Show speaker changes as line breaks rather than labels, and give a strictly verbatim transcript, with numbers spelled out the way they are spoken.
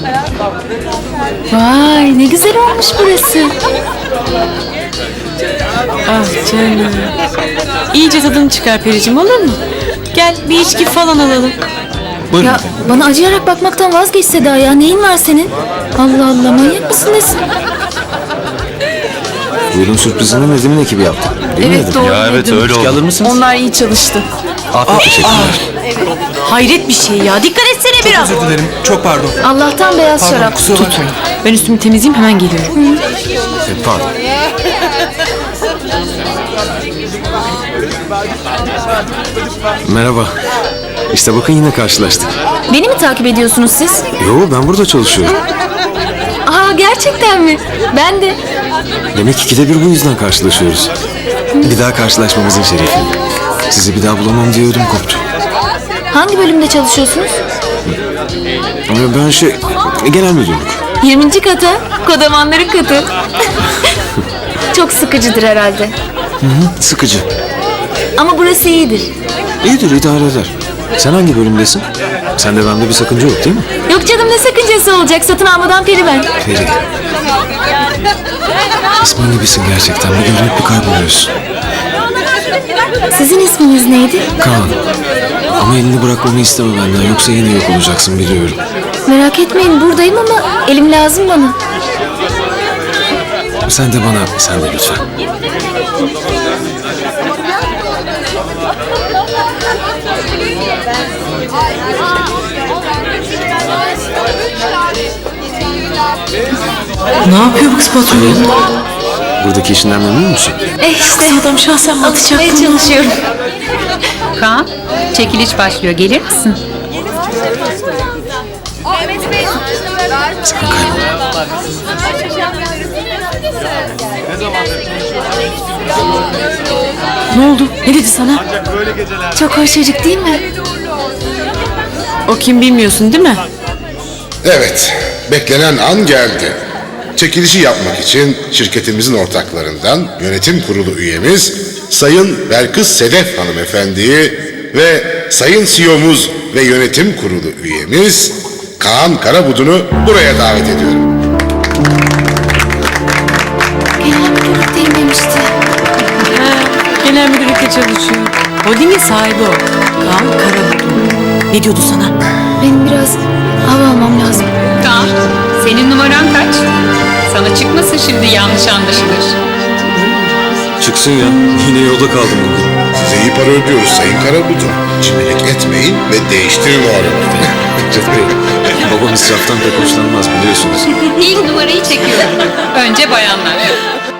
Vay ne güzel olmuş burası.
Ah canım. İyice tadını çıkar Pericim, olur mu? Gel bir içki falan alalım.
Buyurun.
Ya bana acıyarak bakmaktan vazgeç Seda ya. Neyin var senin? Allah Allah, manyak mısın nesin?
Buyurun, sürprizini Nedim'in ekibi yaptı. Değil mi
Evet,
Nedim?
doğru.
Ya evet
Nedim.
öyle
İçki
oldu.
alır mısınız?
Onlar iyi çalıştı.
Afiyet teşekkürler.
Hayret bir şey ya. Dikkat etsene biraz.
Özür dilerim. Çok pardon.
Allah'tan beyaz
Pardon
şarap.
kusura bakmayın.
Ben üstümü temizleyeyim, hemen geliyorum.
E, pardon. Merhaba. İşte bakın yine karşılaştık.
Beni mi takip ediyorsunuz siz?
Yo, ben burada çalışıyorum.
Aa gerçekten mi? Ben de.
Demek ikide bir bu yüzden karşılaşıyoruz. Bir daha karşılaşmamızın şerefi. Sizi bir daha bulamam diye ödüm koptu.
Hangi bölümde çalışıyorsunuz?
Ama ben şey, genel müdürlük.
yirminci kata. Kodamanların katı. Çok sıkıcıdır herhalde.
Sıkıcı.
Ama burası iyidir.
İyidir, idare eder. Sen hangi bölümdesin? Sende bende bir sakınca yok değil mi?
Yok canım, ne sakıncası olacak? Satın almadan peri ben.
Peri. İsmin gibisin gerçekten. Bir görünüp bir kayboluyorsun.
Sizin isminiz neydi?
Kaan. Ama elini bırakmamı isteme benden. Yoksa yine yok olacaksın, biliyorum.
Merak etmeyin, buradayım ama elim lazım bana.
Sen de bana, sen de lütfen.
Ne yapıyor bu kız patron?
Buradaki işinden memnun musun?
Eh işte.
Adam şahsen mi atacak
Atmaya
bunu?
çalışıyorum.
Kaan, çekiliş başlıyor. Gelir misin?
Sakın kaybolma.
Ne oldu? Ne dedi sana?
Çok hoş çocuk değil mi?
O kim bilmiyorsun değil mi?
Evet, beklenen an geldi. Çekilişi yapmak için şirketimizin ortaklarından yönetim kurulu üyemiz Sayın Belkıs Sedef hanımefendiyi ve Sayın C E O'muz ve yönetim kurulu üyemiz Kaan Karabudun'u buraya davet ediyorum.
Genel müdürlükteyim demişti.
Ha, genel müdürlükte çalışıyor. Holdingin sahibi o. Kaan Karabulut. Ne diyordu sana?
Benim biraz hava almam lazım.
Kaan, senin numaran kaç? Sana çıkmasın şimdi yanlış anlaşılır.
Çıksın ya. Yine yolda kaldım bugün.
Size iyi para ödüyoruz Sayın Karabudun. Cimrilik etmeyin ve değiştirin o arabayı.
Babam israftan pek hoşlanmaz, biliyorsunuz.
İlk numarayı çekiyorum. Önce bayanlar.